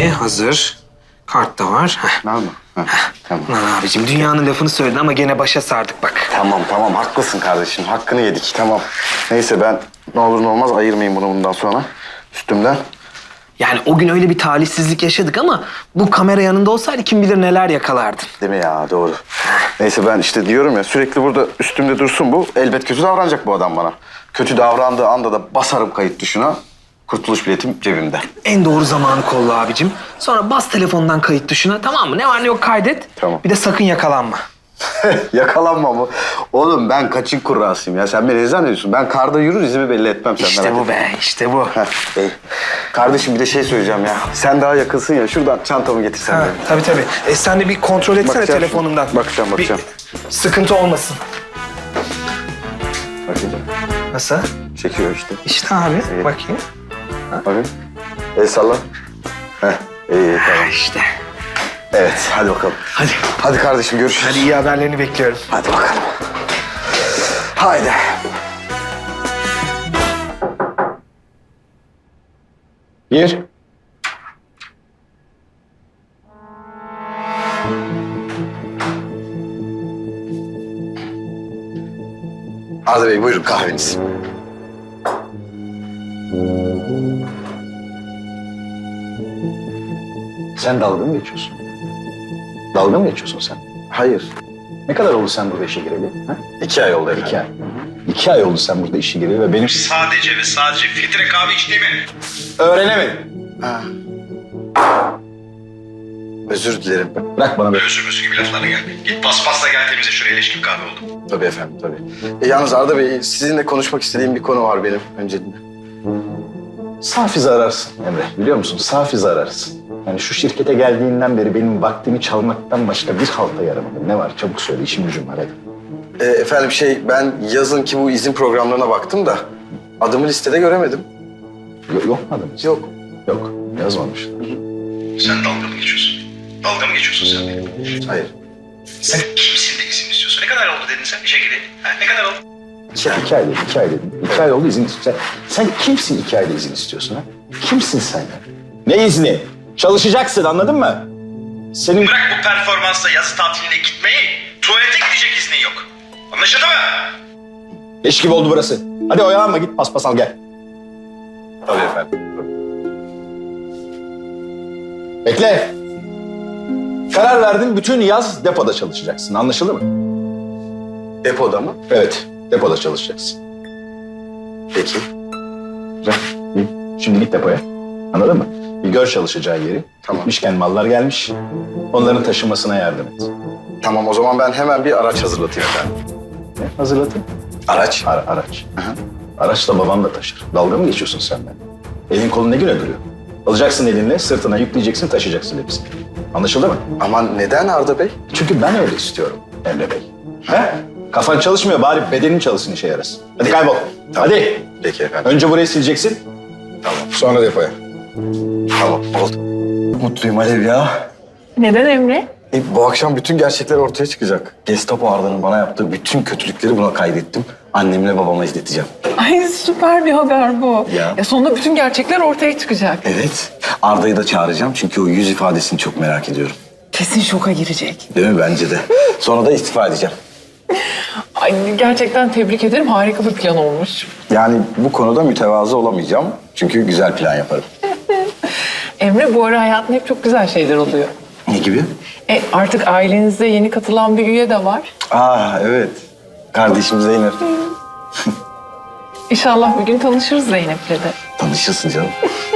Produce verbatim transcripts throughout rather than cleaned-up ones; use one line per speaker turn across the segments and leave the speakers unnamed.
abi hazır. Kart da var. Heh.
Var mı? Heh, tamam.
Lan abicim dünyanın lafını söyledin ama gene başa sardık bak.
Tamam tamam haklısın kardeşim. Hakkını yedik tamam. Neyse ben ne olur ne olmaz ayırmayayım bunu bundan sonra üstümden.
Yani o gün öyle bir talihsizlik yaşadık ama bu kamera yanında olsaydı kim bilir neler yakalardın.
Değil mi ya doğru. Neyse ben işte diyorum ya sürekli burada üstümde dursun bu. Elbet kötü davranacak bu adam bana. Kötü davrandığı anda da basarım kayıt tuşuna. Kurtuluş biletim cebimde.
En doğru zamanı kolla abicim. Sonra bas telefondan kayıt tuşuna, tamam mı? Ne var ne yok kaydet.
Tamam.
Bir de sakın yakalanma.
Yakalanma mı? Oğlum ben kaçın kurrasıyım ya. Sen beni ne zannediyorsun? Ben karda yürür izimi belli etmem. Sen
İşte
merak
bu
etme.
be, işte bu.
Heh, iyi. Kardeşim bir de şey söyleyeceğim ya. Sen daha yakınsın ya. Şuradan çantamı getirsen
Ha,
benim.
tabii tabii. E, sen de bir kontrol etsene
Bakacağım
telefonundan.
şimdi. Bakacağım, bakacağım.
Bir sıkıntı olmasın.
Bakayım.
Nasıl?
Çekiyor işte.
İşte abi,
Evet.
bakayım.
Bakayım. El salla. Heh, iyi, iyi
Ha,
tamam.
işte.
Evet, hadi bakalım.
Hadi.
Hadi kardeşim görüşürüz.
Hadi iyi haberlerini bekliyorum.
Hadi bakalım. Haydi. Gir. Arda Bey buyurun kahveniz.
Sen dalga mı geçiyorsun? Dalga mı geçiyorsun sen?
Hayır.
Ne kadar oldu sen burada işe gireli? Ha?
İki ay oldu efendim.
İki ay. İki ay oldu sen burada işe gireli ve benim
Sadece ve sadece filtre kahve içtiğimi
öğrenemedim.
Ha. Özür dilerim.
Bırak bana böyle.
özür özür gibi laflarla gelme. Git paspasla gel temize şuraya leş gibi kahve oldu.
Tabii efendim tabii. E, yalnız Arda Bey sizinle konuşmak istediğim bir konu var benim önceliğinde.
Safize ararsın Emre. Biliyor musun? Safize ararsın. Yani şu şirkete geldiğinden beri benim vaktimi çalmaktan başka bir halta yaramadı. Ne var? Çabuk söyle. İşim gücüm var hadi.
E, efendim şey ben yazın ki bu izin programlarına baktım da adımı listede göremedim.
Yok, yok mu adınız?
Yok.
Yok. Yazmamış.
Sen dalga mı geçiyorsun? Dalga mı geçiyorsun sen benim?
Hayır.
Sen kimsin de izin istiyorsun? Ne kadar oldu dedin sen işe gireli? Ha, ne kadar oldu?
İki ay.
İki ay dedim, iki ay dedim. İki ay oldu izin istiyorsun. Sen, sen kimsin iki ayda izin istiyorsun ha? Kimsin sen ya? Ne izni? Çalışacaksın anladın mı? Senin...
Bırak bu performansla yazı tatiline gitmeyi, tuvalete gidecek iznin yok. Anlaşıldı mı?
Leş gibi oldu burası. Hadi oyalanma git paspas al gel.
Tabii efendim.
Bekle. Karar verdin bütün yaz depoda çalışacaksın. Anlaşıldı mı?
Depoda mı?
Evet, depoda çalışacaksın.
Peki.
Güzel. İyi. Şimdi git depoya. Anladın mı? Bir gör çalışacağı yeri.
Tamam.
Gitmişken mallar gelmiş. Onların taşınmasına yardım et.
Tamam o zaman ben hemen bir araç hazırlatayım efendim.
Ne? Hazırlatın.
Araç?
Ara, araç.
Hı hı.
Araç da babam da taşır. Dalga mı geçiyorsun sen ben? Elin kolun ne güne duruyor? Alacaksın elinle, sırtına yükleyeceksin, taşıyacaksın hepsini. Anlaşıldı mı?
Ama neden Arda Bey?
Çünkü ben öyle istiyorum Emre Bey. He? Kafan çalışmıyor, bari bedenin çalışsın işe yarasın. Hadi kaybol.
Tamam.
Hadi.
Peki efendim.
Önce burayı sileceksin.
Tamam.
Sonra depoya.
Tamam oldu. Mutluyum Alev ya.
Neden Emre?
E, bu akşam bütün gerçekler ortaya çıkacak. Gestapo Arda'nın bana yaptığı bütün kötülükleri buna kaydettim. Annemle babama izleteceğim.
Ay süper bir haber bu.
Ya.
Ya sonunda bütün gerçekler ortaya çıkacak.
Evet. Arda'yı da çağıracağım çünkü o yüz ifadesini çok merak ediyorum.
Kesin şoka girecek.
Değil mi? Bence de. Sonra da istifa edeceğim.
Ay gerçekten tebrik ederim. Harika bir plan olmuş.
Yani bu konuda mütevazı olamayacağım. Çünkü güzel plan yaparım.
Emre bu ara hayatında hep çok güzel şeyler oluyor.
Ne gibi?
E artık ailenizde yeni katılan bir üye de var.
Aa evet. Kardeşim Zeynep.
İnşallah bir gün tanışırız Zeynep'le de.
Tanışırsın canım.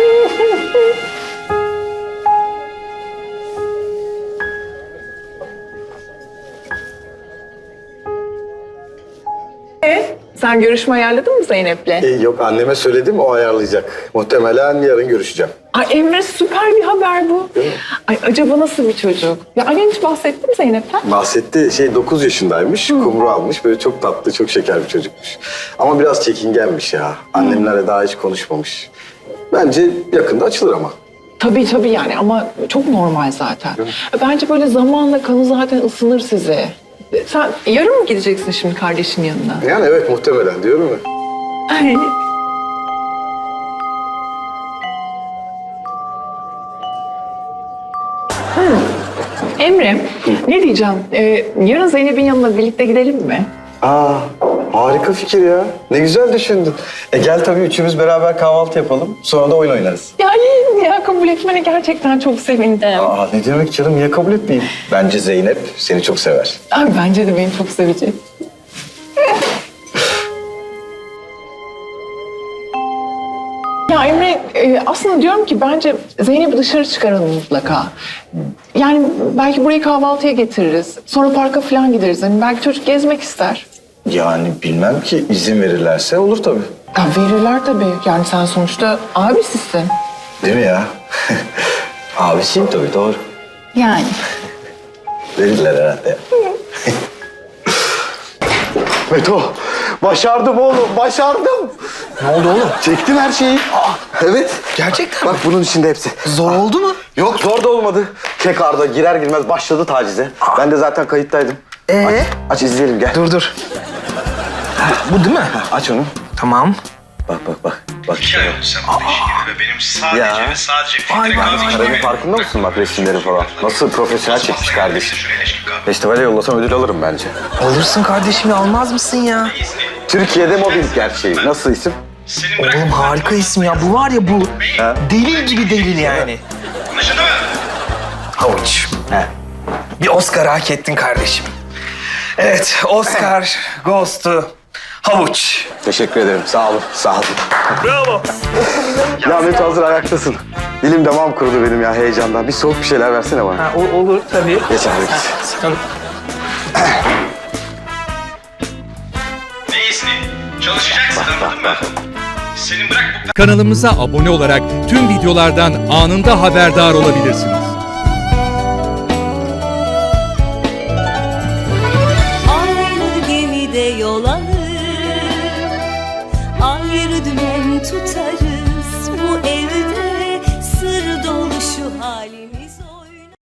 E, sen görüşme ayarladın mı Zeynep'le?
E, yok anneme söyledim o ayarlayacak. Muhtemelen yarın görüşeceğim.
Ay Emre süper bir haber bu. Ay acaba nasıl bir çocuk? Ya annen hiç bahsetti mi Zeynep'ten?
Bahsetti şey dokuz yaşındaymış, kumru almış. Böyle çok tatlı, çok şeker bir çocukmuş. Ama biraz çekingenmiş ya. Annemlerle daha hiç konuşmamış. Bence yakında açılır ama.
Tabii tabii yani ama çok normal zaten. Bence böyle zamanla kanı zaten ısınır size. Sen yarın mı gideceksin şimdi kardeşin yanına?
Yani evet muhtemelen diyorum ya.
Ay. Emre, ne diyeceğim? Ee, yarın Zeynep'in yanına birlikte gidelim mi?
Aa, harika fikir ya. Ne güzel düşündün. E gel tabii üçümüz beraber kahvaltı yapalım. Sonra da oyun oynarız.
Yani ya kabul etmene gerçekten çok sevindim.
Aa, ne demek canım? Niye kabul etmeyeyim?
Bence Zeynep seni çok sever.
Abi bence de beni çok sevecek. Ya Emre, e, aslında diyorum ki bence Zeynep'i dışarı çıkaralım mutlaka. Yani belki burayı kahvaltıya getiririz. Sonra parka falan gideriz. Yani belki çocuk gezmek ister.
Yani bilmem ki izin verirlerse olur tabii.
Ya verirler tabii. Yani sen sonuçta abisisin.
Değil mi ya? Abisiyim tabii doğru.
Yani.
Verirler herhalde.
Meto, başardım oğlum, başardım.
Ne oldu oğlum?
Çektim her şeyi. Evet.
Gerçekten
Bak bunun içinde hepsi.
Zor oldu mu?
Yok zor da olmadı. Kek Arda girer girmez başladı tacize. Ben de zaten kayıttaydım.
Ee?
Aç, aç izleyelim gel.
Dur dur. Ha, bu değil mi?
Aç onu.
Tamam.
Bak bak bak. Bak.
İki ay oldu sen bu işi gibi ve benim sadece
Ya.
ve sadece
Vay
filtre
vay
kahve
vay.
içtiğimi...
Karabin farkında mısın bak resimleri falan? Nasıl profesyonel çekmiş kardeşim.
Şuraya eşlik kahve.
Festivale yollasam ödül alırım bence.
Alırsın kardeşim ya, almaz mısın ya?
İzni.
Türkiye'de mobbing gerçeği. Nasıl isim?
Senin bırak...
Oğlum harika isim ya. Bu var ya bu.
Ha?
Delil gibi delil yani.
Anlaşıldı mı?
Havuç.
He.
Bir Oscar hak ettin kardeşim. Evet, Oscar goes to Havuç.
Teşekkür ederim. Sağ olun. Sağ olun.
Bravo.
Ya Meto hazır ayaktasın. Dilim damağım kurudu benim ya heyecandan. Bir soğuk bir şeyler versene bana.
Ha, o- olur tabii.
Geç abi geç.
Sen-
Ne izni? Çalışacaksın anladın mı? Senin bırak bu
Kanalımıza abone olarak tüm videolardan anında haberdar olabilirsiniz.
Aynı gemide yol alır, ayrı dümen tutarız.